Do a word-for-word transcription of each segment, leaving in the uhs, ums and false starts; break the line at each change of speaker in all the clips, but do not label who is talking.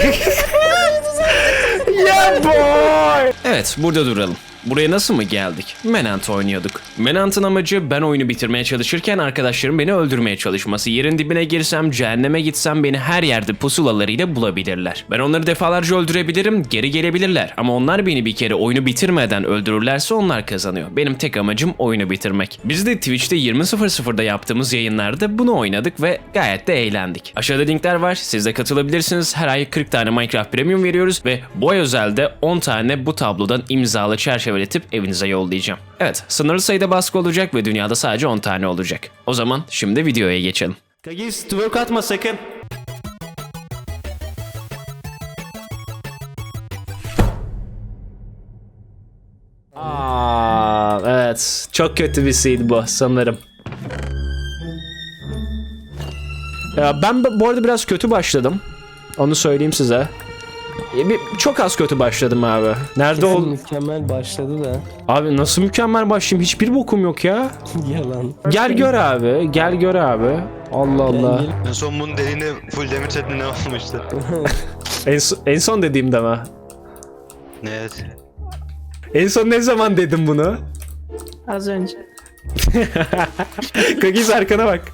Yeah boy. Evet, burada duralım. Buraya nasıl mı geldik? Manhunt oynuyorduk. Manhunt'ın amacı ben oyunu bitirmeye çalışırken arkadaşlarım beni öldürmeye çalışması. Yerin dibine girsem, cehenneme gitsem beni her yerde pusulalarıyla bulabilirler. Ben onları defalarca öldürebilirim, geri gelebilirler. Ama onlar beni bir kere oyunu bitirmeden öldürürlerse onlar kazanıyor. Benim tek amacım oyunu bitirmek. Biz de Twitch'te yirmi sıfır sıfırda yaptığımız yayınlarda bunu oynadık ve gayet de eğlendik. Aşağıda linkler var, siz de katılabilirsiniz. Her ay kırk tane Minecraft Premium veriyoruz ve bu ay özelde on tane bu tablodan imzalı çerçeve üretip evinize yollayacağım. Evet, sınırlı sayıda baskı olacak ve dünyada sadece on tane olacak. O zaman şimdi videoya geçelim. Kagis, twerk atma sakın. Aa, evet, çok kötü bir seed bu sanırım. Ya ben bu arada biraz kötü başladım. Onu söyleyeyim size. Bir, çok az kötü başladım abi. Nerede ol?
Mükemmel başladı da.
Abi nasıl mükemmel başlayayım? Hiçbir bokum yok ya.
Yalan.
Gel gör abi. Gel gör abi. Allah Allah.
En son bunun deliğine full demir setine ne olmuştu?
En, so- en son dediğimde mi?
Evet.
En son ne zaman dedim bunu?
Az önce.
Kagis arkana bak.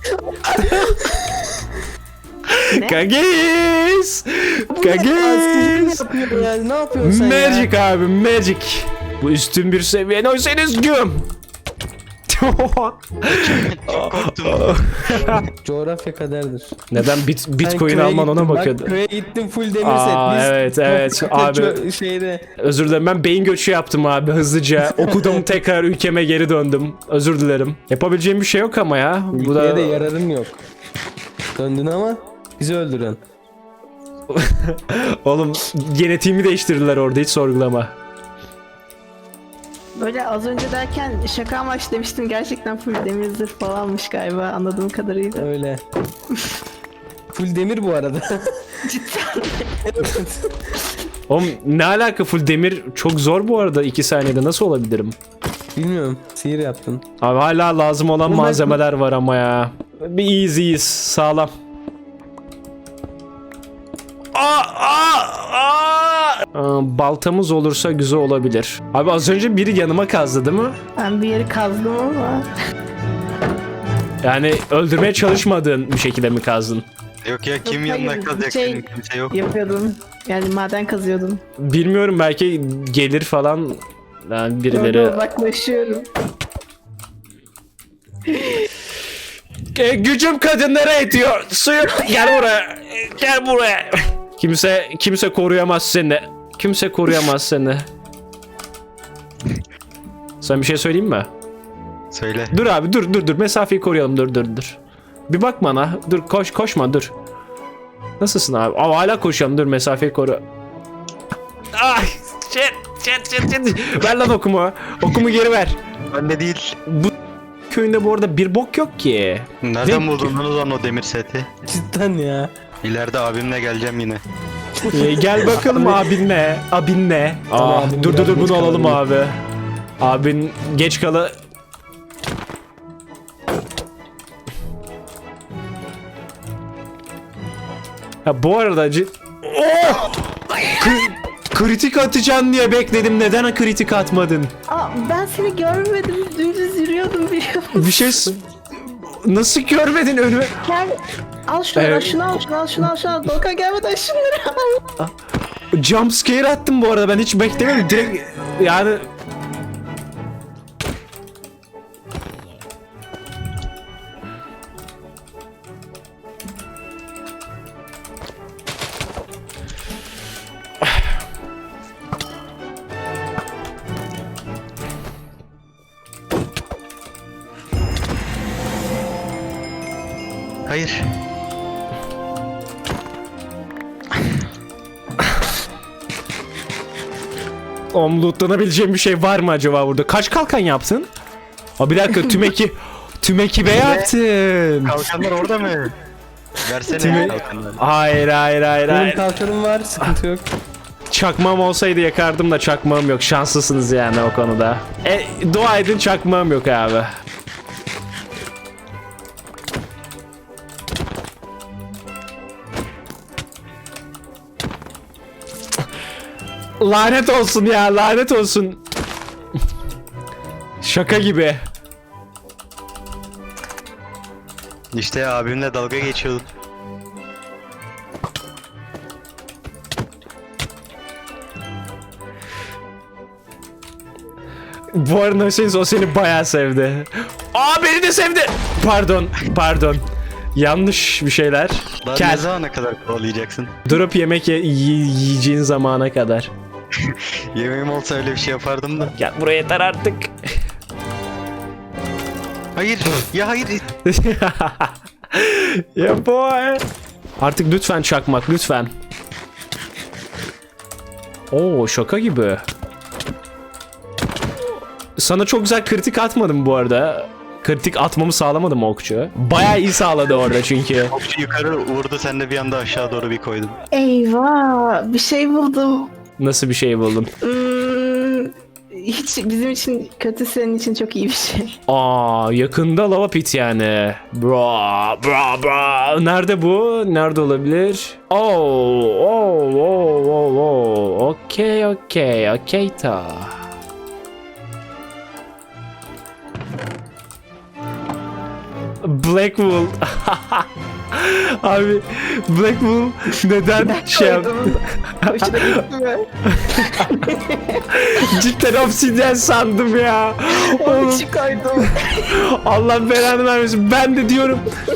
Kagis! Kagis!
Yapıyor yani, ne yapıyorsun sen
Magic
ya?
abi, magic. Bu üstün bir seviye. Oysanız güm.
Çok korktum.
Coğrafya kaderdir.
Neden bit
Ben
Bitcoin
köye
alman ona
gittim,
bakıyordu.
Bak köye gittim full demir
Aa,
set. Biz
evet, evet, abi.
çö- Şeyde.
Özür dilerim, ben beyin göçü yaptım abi hızlıca. Okudum, tekrar ülkeme geri döndüm. Özür dilerim. Yapabileceğim bir şey yok ama ya. Bu
Ülkeye
da
de yararın yok. Döndün ama bizi öldüren.
oğlum genetiğimi değiştirdiler orada, hiç sorgulama.
Böyle az önce derken şaka amaç demiştim, gerçekten full demir zırh falanmış galiba anladığım kadarıyla.
Öyle. Full demir bu arada.
Cidden.
Oğlum ne alaka, full demir çok zor bu arada, iki saniyede nasıl olabilirim?
Bilmiyorum. Sihir yaptın.
Abi hala lazım olan
Ama
malzemeler var ama ya. Bir easy'yiz, sağlam. Aa, aa, aa! Aa, baltamız olursa güzel olabilir. Abi az önce biri yanıma kazdı değil mi?
Ben bir yeri kazdım ama
Yani öldürmeye çalışmadığın bir şekilde mi kazdın?
Yok ya, kim
Yok,
yanına
hayır,
kalacak
şey-
senin, kimse yok.
yapıyordum. Yani maden kazıyordum.
Bilmiyorum, belki gelir falan yani birileri.
Orada uzaklaşıyorum.
E, gücüm kadınlara yetiyor. Suyu gel buraya. Gel buraya. Kimse kimse koruyamaz seni. Kimse koruyamaz seni. Sen bir şey söyleyeyim mi?
Söyle.
Dur abi, dur dur dur, mesafeyi koruyalım, dur dur dur. Bir bak bana. Dur, koş koşma, dur. Nasılsın abi? Aa, hala koşuyorum, dur, mesafeyi koru. Ay shit shit shit shit. Ver lan okumu. Okumu geri ver.
Bende değil.
Bu köyünde bu arada bir bok yok ki.
Nereden
Ne-
buldun lan o zaman o demir seti?
Cidden ya.
İleride abimle geleceğim yine.
Ee, gel bakalım abinle. Abinle.
Tamam,
Aa,
abim
dur dur
biraz
dur,
geç
bunu alalım
kaldı.
abi. Abin geç kala. Ha bu arada cid... Oh! Kri- kritik atacaksın diye bekledim. Neden kritik atmadın?
Aa, ben seni görmedim. Dümdüz yürüyordum biliyor musun?
Bir şey s- nasıl görmedin önüme?
Gel. Al şunu,
Evet.
al şunu, al şunu, al şunu, al şunu. Doğukan gelmeden şunları al.
Jump scare attım bu arada, ben hiç beklemedim. Direkt yani
Hayır.
Oğlum lootlanabileceğim bir şey var mı acaba burada? Kaç kalkan yaptın? Aa, bir dakika, tüm eki tüm ekibe yaptın.
Kalkanlar orada mı? Versene
Timi-
kalkanları.
Hayır hayır hayır
Benim
hayır.
kalkanım var, sıkıntı yok.
Çakmağım olsaydı yakardım da çakmağım yok. Şanslısınız yani o konuda. E, dua edin çakmağım yok abi. Lanet olsun ya, lanet olsun. Şaka gibi.
İşte abimle dalga geçiyordum.
Bu arada Hüseyin o seni bayağı sevdi. Aa beni de sevdi. Pardon, pardon. Yanlış bir şeyler.
Daha
Kel.
ne zamana kadar kovalayacaksın?
Durup yemek ye- yi- yiyeceğin zamana kadar.
Yemeğim olsa öyle bir şey yapardım da.
Gel buraya yeter artık.
Hayır, ya hayır.
Ya boy. Artık lütfen çakmak, lütfen. Oo şaka gibi. Sana çok güzel kritik atmadım bu arada. Kritik atmamı sağlamadım okçu. Bayağı iyi sağladı orada çünkü.
Okçu yukarı vurdu, sen de bir anda aşağı doğru bir koydun.
Eyvah, bir şey buldum.
Nasıl bir şey buldun?
Hmm, hiç bizim için kötü, senin için çok iyi bir şey.
Aa yakında lava pit yani. Bra bra bra. Nerede bu? Nerede olabilir? Oh oh oh oh oh. Okey okey okey ta. Blackwool. Abi Blackwool neden şey yaptı?
Hoşuna gitti mi?
Cidden obsidyen sandım ya.
Onun
Oğlum
için koydum.
Allah belanı vermesin. Ben de diyorum.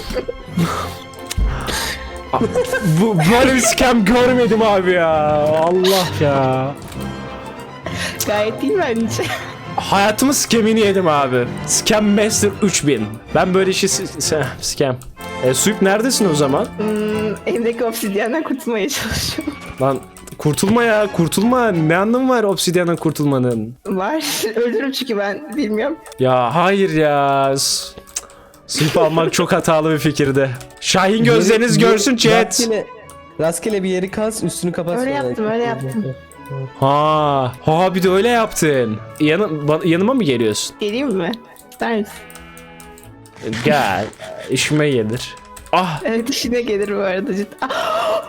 Bu böyle bir scam görmedim abi ya. Allah ya.
Gayet iyi bence.
Hayatımın scam'ini yedim abi. Scam Master üç bin. Ben böyle işi s- s- scam. E, Suyup neredesin o zaman?
Hmm, elimdeki obsidyenden kurtulmaya çalışıyorum.
Lan kurtulma ya, kurtulma. Ne anlamı var obsidyandan kurtulmanın?
Var. Öldürürüm çünkü ben bilmiyorum.
Ya hayır ya. S- Suyup almak çok hatalı bir fikirdi. Şahin gözleriniz
Yeri-
görsün chat.
Rastgele, rastgele bir yeri kaz, üstünü kapat.
Öyle
sonra.
yaptım, öyle yaptım.
Ha, ha bir de öyle yaptın. Yanı, ba- yanıma mı geliyorsun?
Geleyim mi? İster misin?
Gel. İşime gelir. Ah
Evet, işine gelir bu arada cidden. Ah!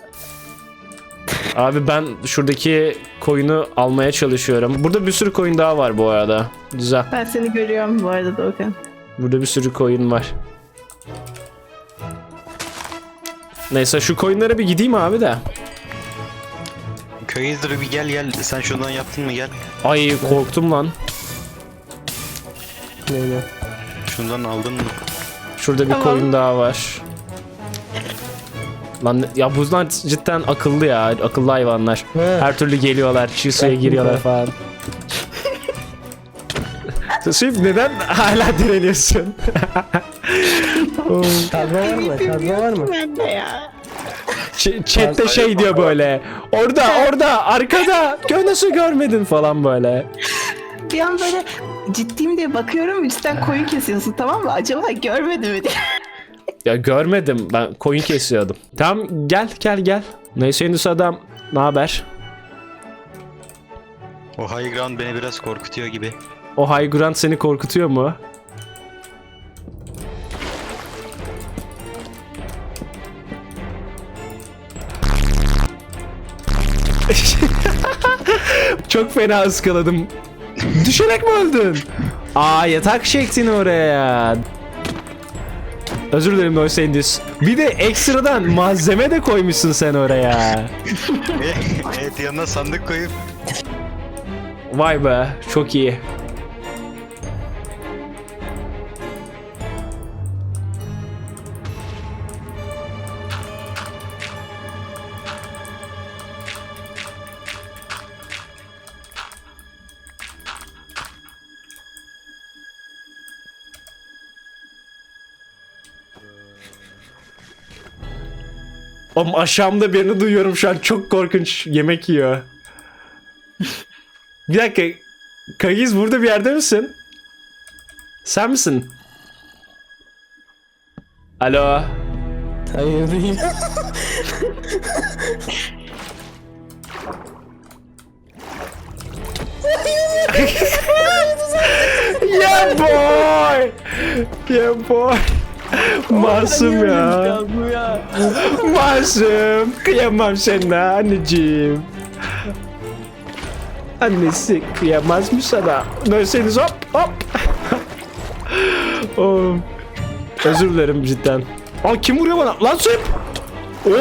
abi ben şuradaki koyunu almaya çalışıyorum. Burada bir sürü koyun daha var bu arada. Güzel.
Ben seni görüyorum bu arada Doğukan.
Burada bir sürü koyun var. Neyse şu koyunlara bir gideyim abi de.
Köy izleri bir gel gel. Sen şuradan yaptın mı gel.
Ay korktum lan.
Neyle?
Şundan aldın mı?
Şurada bir
Tamam.
koyun daha var. Lan ya bunlar cidden akıllı ya. Akıllı hayvanlar.
He.
Her türlü geliyorlar. Çiğ suya
Bak,
giriyorlar
bak.
falan. Şimdi neden hala direniyorsun?
Kazma var mı? Kazma var mı?
Ben de ya.
Ç- Chat'te şey diyor böyle. Orada orada arkada. Gö nasıl görmedin falan böyle.
Bir an böyle ciddiyim diye bakıyorum, üstten koyun kesiyorsun, tamam mı? Acaba görmedi mi diye.
Ya görmedim, ben koyun kesiyordum. Tamam gel gel gel. Neyse Yunus adam, ne haber?
O high ground beni biraz korkutuyor gibi.
O high ground seni korkutuyor mu? Çok fena ıskaladım. Düşerek mi öldün? Aa yatak çektin oraya. Özür dilerim Noisendis. Bir de ekstradan malzeme de koymuşsun sen oraya.
Evet, yanına sandık koyup
Vay be, çok iyi. Oğlum aşağımda birini duyuyorum şu an, çok korkunç yemek yiyor. Bir dakika. Kagiz burada bir yerde misin? Sen misin? Alo.
Hayır değil.
Yeah boy. Yeah boy. Masum ya.
Bu ya.
Masum. Kıyamam sana anneciğim. Annesi kıyamaz mı sana? Dönseniz hop hop. Oh. Özür dilerim cidden. Aa kim vuruyor bana? Lan Suyup! Oo!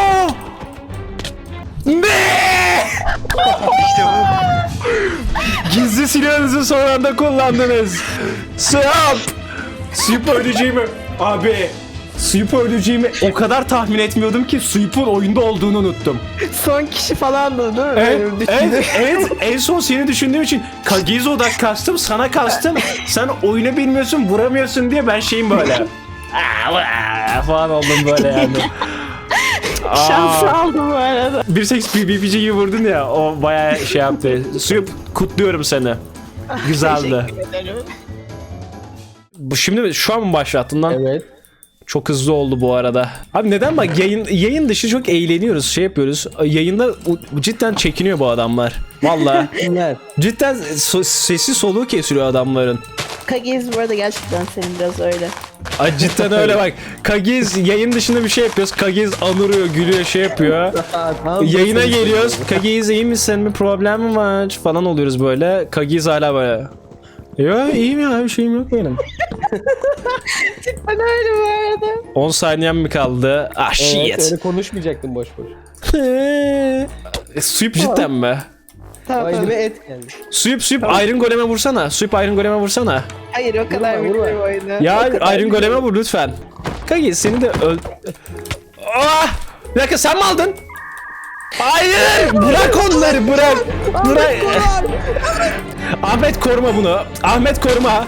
Ne?
İşte bu.
Gizli silahınızı son anda kullandınız. Suyup! Suyup öleceğimi... Abi... Suyup öleceğimi o kadar tahmin etmiyordum ki Suyup'un oyunda olduğunu unuttum.
Son kişi falan da değil mi?
Evet,
Benim düşündüğüm.
evet, evet. En son seni düşündüğüm için Kagizo'da kastım, sana kastım. Sen oyunu bilmiyorsun, vuramıyorsun diye ben şeyim böyle. Aa, vaa falan oldum böyle yani.
Şans aldım bu arada.
Bir seks B B C'yi vurdun ya, o bayağı şey yaptı. Suyup, kutluyorum seni. Güzeldi.
Teşekkür ederim.
Bu şimdi şu an mı başlattın lan?
Evet.
Çok hızlı oldu bu arada. Abi neden bak yayın yayın dışı çok eğleniyoruz, şey yapıyoruz. Yayında u- cidden çekiniyor bu adamlar. Vallahi
Kimler?
cidden so- sesi soluğu kesiliyor adamların.
Kagiz bu arada gerçekten senin biraz öyle.
Ay cidden öyle bak. Kagiz yayın dışında bir şey yapıyoruz. Kagiz anırıyor, gülüyor, şey yapıyor.
Aa, tamam,
Yayına
nasıl-
geliyoruz. Kagiz iyi misin? Bir problem mi var? Falan oluyoruz böyle. Kagiz hala böyle. Ya iyiyim ya, bir şeyim yok benim.
Ben öyle bu arada.
on saniyem mi kaldı? Ah
Evet,
shit.
öyle konuşmayacaktım boş boş.
E, Suyup cidden mi?
Tamam.
Aileme et geldi.
Suyup Suyup Iron Golem'e vursana. Suyup Iron Golem'e vursana.
Hayır o kadar
Vurma, vurma.
bilmiyorum oyunu.
Ya
O kadar
Iron Golem'e vur lütfen. Kagiz seni de öl... Ah! Bir dakika sen mi aldın? Hayır! Bırak onları bırak! Bırak! Ahmet koruma bunu. Ahmet koruma.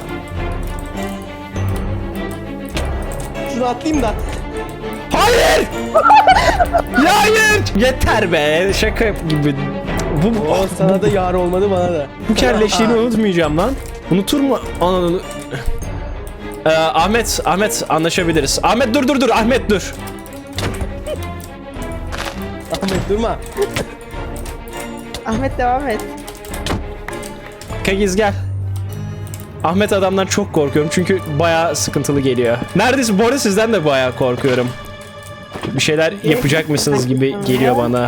Şunu atlayayım da.
Hayır! Ya hayır! Yeter be. Şaka yap gibi. Bu, bu,
O sana da yar olmadı bana da.
bu kelleşliğini unutmayacağım lan. Unutur mu? Ananı... Ee, Ahmet, Ahmet anlaşabiliriz. Ahmet dur dur dur. Ahmet dur.
Ahmet durma.
Ahmet devam et.
Kagiz gel. Ahmet adamdan çok korkuyorum çünkü bayağı sıkıntılı geliyor. Neredeyse bu arada sizden de bayağı korkuyorum. Bir şeyler yapacak mısınız gibi geliyor bana.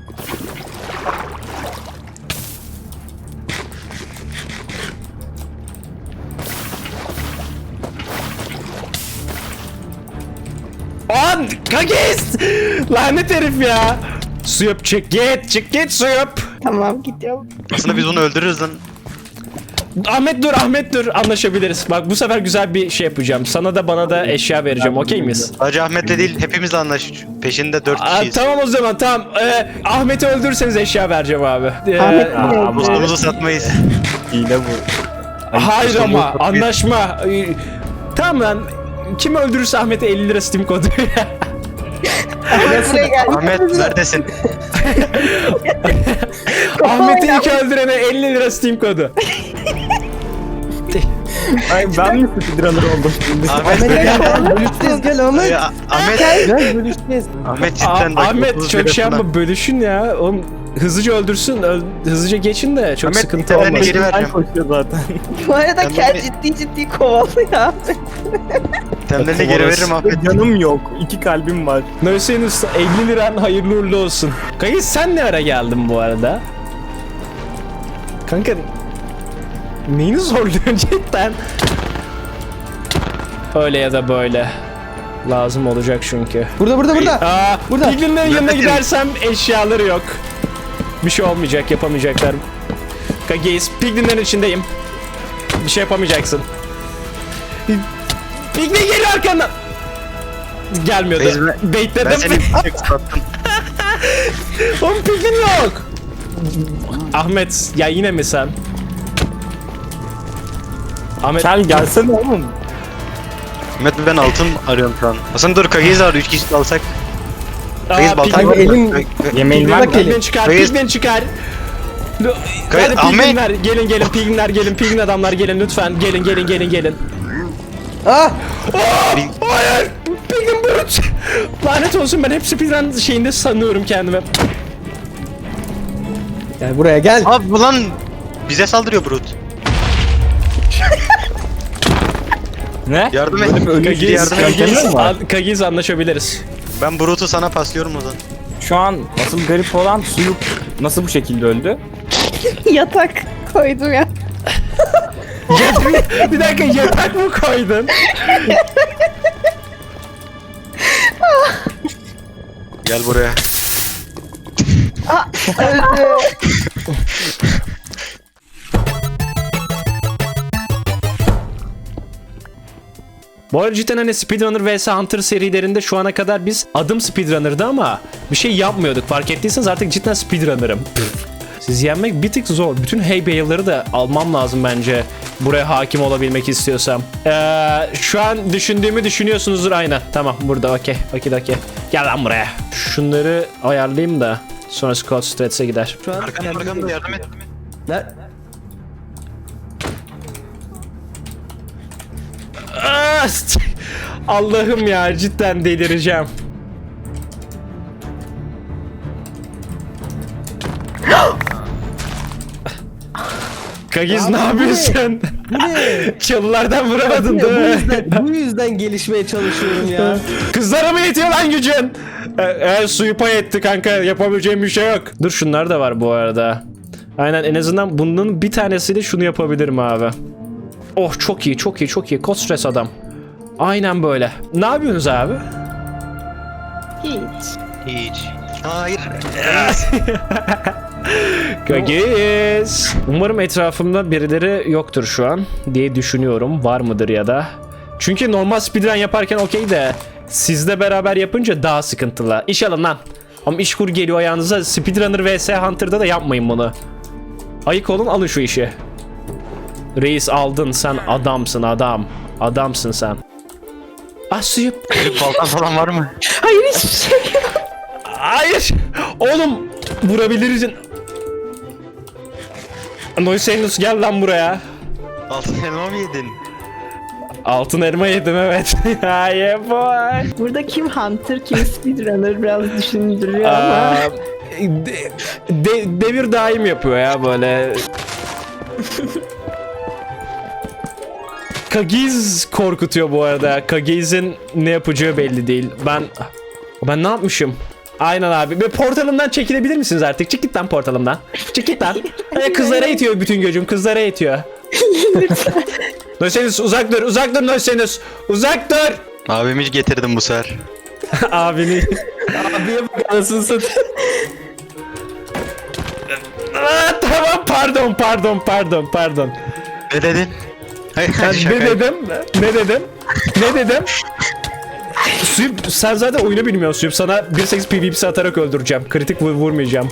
An Kagiz! Lanet herif ya! Suyup çık git çık git Suyup!
Tamam gidiyorum.
Aslında biz onu öldürürüz lan.
Ahmet dur Ahmet dur anlaşabiliriz. Bak bu sefer güzel bir şey yapacağım. Sana da bana da eşya vereceğim, okey miyiz?
Sadece Ahmet'le değil hepimizle anlaş. Peşinde dört
Aa,
kişiyiz.
tamam o zaman tamam. Ee, Ahmet'i öldürürseniz eşya vereceğim abi. Ee,
Ahmet bile öldü.
Mustafa'mızı satmayız.
Hile bu.
hayır ama anlaşma. Ee, tamam lan. Kim öldürürse Ahmet'e elli lira Steam kodu.
Ahmet buraya geldi.
Ahmet neredesin?
Ahmet'i ilk öldürene elli lira Steam kodu.
Ay ben mi speedrunner oldum şimdi?
Ahmet
Ahmet gel. Bölüşeceğiz gel Ahmet.
Ya, Ahmet
Gel bölüşeceğiz.
Ahmet
Aa,
cidden bak,
Ahmet
otuz
çok
lira
şey
falan.
yapma bölüşün ya. Oğlum hızlıca öldürsün. öl- hızlıca geçin de çok
Ahmet,
sıkıntı
itemlerini
olmasın.
geri
Ben
vereceğim.
koşuyor zaten.
Bu arada
Ben
Kel
bunu-
ciddi ciddi kovalıyor.
Temlerini geri veririm Ahmet.
Canım yok. İki kalbim var.
Neyse Usta elli liran hayırlı uğurlu olsun. Kanka sen ne ara geldin bu arada? Kanka neyini zorluyorsun cidden? Öyle ya da böyle. Lazım olacak çünkü.
Burada burada burada.
Aa,
Burada.
Piglin'lerin yanına
Nefretim.
gidersem eşyaları yok. Bir şey olmayacak, yapamayacaklar. Kagis, Piglin'lerin içindeyim. Bir şey yapamayacaksın. Piglin geliyor arkandan. Gelmiyordu.
Beyz- Ben
Baitledim.
seni çok sattım.
Oğlum Piglin yok. Ahmet, ya yine mi sen? Ahmet,
Gel gelsene oğlum.
Ahmet ben altın arıyorum şu an. Aslında dur Kagiz var üç kişi de alsak.
Aa,
Kagiz baltan
Piglin-
var.
elim-
Yemeğin var mı?
Piglin çıkar,
Kayıs-
Piglin çıkar. Lo-
Kay-
Hadi
Ahmet!
Piglinler, gelin gelin Piglinler gelin, Piglin adamlar gelin lütfen. Gelin gelin gelin gelin.
Ah.
Bir-
Hayır! Piglin brut! Lanet olsun ben hep speedrun şeyinde sanıyorum kendime.
Gel buraya gel.
Abi bu lan bize saldırıyor Brut.
Ne?
Yardım et.
Böyle bir ölüm
Kagiz,
yardım
Kagiz,
edemiyor mu?
an- Kagiz anlaşabiliriz.
Ben Brut'u sana paslıyorum o zaman.
Şu an asıl garip olan Suyup nasıl bu şekilde öldü?
Yatak koydum ya.
bir dakika yatak mı koydun?
Gel buraya.
Bu arada cidden hani Speedrunner vs Hunter serilerinde şu ana kadar biz adım Speedrunner'dı ama bir şey yapmıyorduk. Fark ettiyseniz artık cidden Speedrunner'ım. Siz yenmek bir tık zor. Bütün hey bay'ları da almam lazım bence. Buraya hakim olabilmek istiyorsam. Ee, şu an düşündüğümü düşünüyorsunuzdur aynen. Tamam burada okey. Okey okey. Gel lan buraya. Şunları ayarlayayım da. Sonra Scott Strats'e gider.
Şu an
Arkamda arkamda yardım et.
Ne?
Ah, Allah'ım ya cidden delireceğim. Kagiz ne yapıyorsun?
Bu ne?
Çalılardan vuramadın
Ya, bu
değil mi?
yüzden, bu yüzden gelişmeye çalışıyorum ya.
Kızlara mı yetiyor lan gücün? E, e, suyu pay etti kanka, yapabileceğim bir şey yok. Dur şunlar da var bu arada. Aynen, en azından bunun bir tanesiyle şunu yapabilirim abi. Oh çok iyi çok iyi çok iyi. Kod stres adam. Aynen böyle. Ne yapıyorsunuz abi?
Hiç.
Hiç. Hayır.
Kagiz. Umarım etrafımda birileri yoktur şu an diye düşünüyorum. Var mıdır ya da? Çünkü normal speedrun yaparken okey de sizle beraber yapınca daha sıkıntılı. İş alın lan. Ama işkur geliyor ayağınıza. Speedrunner vs Hunter'da da yapmayın bunu. Ayık olun, alın şu işi. Reis aldın, sen adamsın adam. Adamsın sen. Ah suyup.
Bir baltan falan var mı?
Hayır hiçbir şey yok.
Hayır. Oğlum vurabilirsin. Noisenus gel lan buraya.
Altın elma mı yedin?
Altın elma yedim evet. Hayır boy.
Burada kim Hunter kim Speedrunner biraz düşündürüyor ama.
Aa, de, de, devir daim yapıyor ya böyle. Kagiz korkutuyor bu arada. Kagiz'in ne yapacağı belli değil. Ben ben ne yapmışım? Aynen abi. Ve portalımdan çekilebilir misiniz artık? Çık git lan portalımdan. Çık git lan. Ay, kızlara itiyor bütün gücüm. Kızlara itiyor. Noisenus uzak dur. Uzak dur Noisenus. Uzak dur.
Abimi getirdim bu sefer.
Abini.
Abiye bak anasını satayım.
Aa, tamam pardon pardon pardon pardon.
Ne dedin? Hayır,
Ben
şaka.
ne dedim? Ne dedim? Ne dedim? Süp, sen zaten oyunu bilmiyorsun Süp. Sana bir sekiz PvP'si atarak öldüreceğim. Kritik vur vurmayacağım.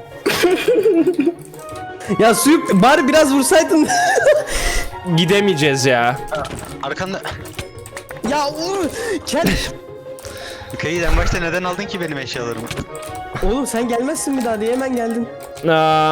Ya Suyup bari biraz vursaydın.
Gidemeyeceğiz ya.
Arkanda.
Ya oğlum. Gel.
Kayı en başta neden aldın ki benim eşyalarımı?
Oğlum sen gelmezsin bir daha diye hemen geldin.
Aa,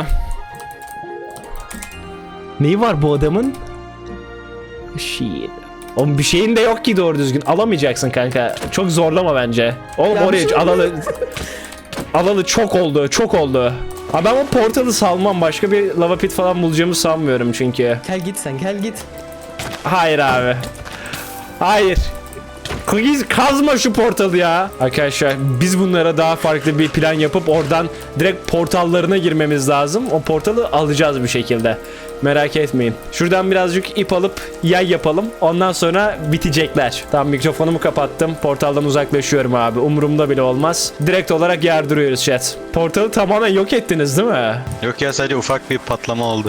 neyi var bu adamın? Shit. Oğlum bir şeyin de yok ki doğru düzgün. Alamayacaksın kanka. Çok zorlama bence. Oğlum
Ya bir
oraya
şey-
alalı... alalı çok oldu. Çok oldu. Ha ben o portalı salmam. Başka bir lava pit falan bulacağımı sanmıyorum çünkü.
Gel git sen gel git.
Hayır abi. Hayır. Kagiz kazma şu portalı ya. Arkadaşlar biz bunlara daha farklı bir plan yapıp oradan direkt portallarına girmemiz lazım. O portalı alacağız bir şekilde. Merak etmeyin. Şuradan birazcık ip alıp yay yapalım. Ondan sonra bitecekler. Tamam mikrofonumu kapattım. Portaldan uzaklaşıyorum abi. Umurumda bile olmaz. Direkt olarak yardırıyoruz chat. Portalı tamamen yok ettiniz değil mi?
Yok ya, sadece ufak bir patlama oldu.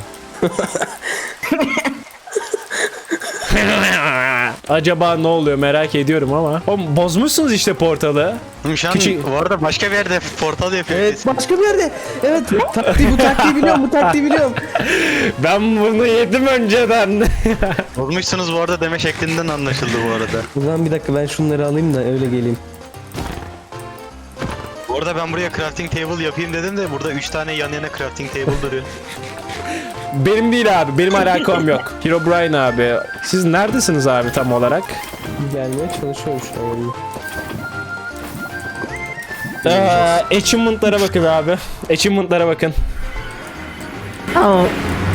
Acaba ne oluyor merak ediyorum ama. Oğlum bozmuşsunuz işte portalı.
Oğlum şu an
Küçük-
bu arada başka bir yerde portal yapıyor.
Evet başka bir yerde. Evet taktiği bu taktiği biliyorum bu taktiği biliyorum.
Ben bunu yedim önceden.
Bozmuşsunuz bu arada deme şeklinden anlaşıldı bu arada.
Ulan bir dakika ben şunları alayım da öyle geleyim.
Bu arada ben buraya crafting table yapayım dedim de burada üç tane yan yana crafting table duruyor.
Benim değil abi. Benim alakam yok. Herobrine abi. Siz neredesiniz abi tam olarak?
Gelmeye çalışıyorum şu an.
Ee, achievement'lara bakın abi. Achievement'lara bakın.
Ama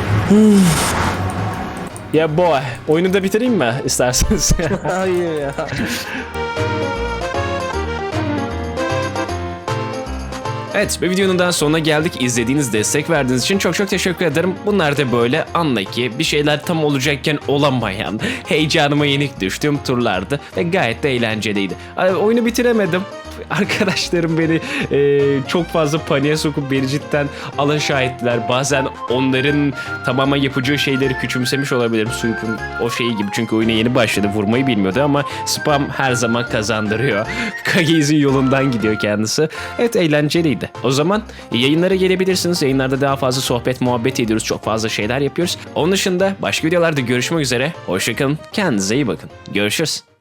Ya boy. Oyunu da bitireyim mi isterseniz?
Hayır ya.
Evet, bir videonun daha sonuna geldik. İzlediğiniz, destek verdiğiniz için çok çok teşekkür ederim. Bunlar da böyle anla ki bir şeyler tam olacakken olamayan, heyecanıma yenik düştüğüm turlardı ve gayet de eğlenceliydi. Ay, oyunu bitiremedim. Arkadaşlarım beni e, çok fazla paniğe sokup beni cidden alaşağı ettiler. Bazen onların tamamen yapacağı şeyleri küçümsemiş olabilirim. Suyup'un o şeyi gibi, çünkü oyuna yeni başladı, vurmayı bilmiyordu ama spam her zaman kazandırıyor. Kagiz'in yolundan gidiyor kendisi. Evet, eğlenceliydi. O zaman yayınlara gelebilirsiniz. Yayınlarda daha fazla sohbet muhabbet ediyoruz. Çok fazla şeyler yapıyoruz. Onun dışında başka videolarda görüşmek üzere. Hoşçakalın. Kendinize iyi bakın. Görüşürüz.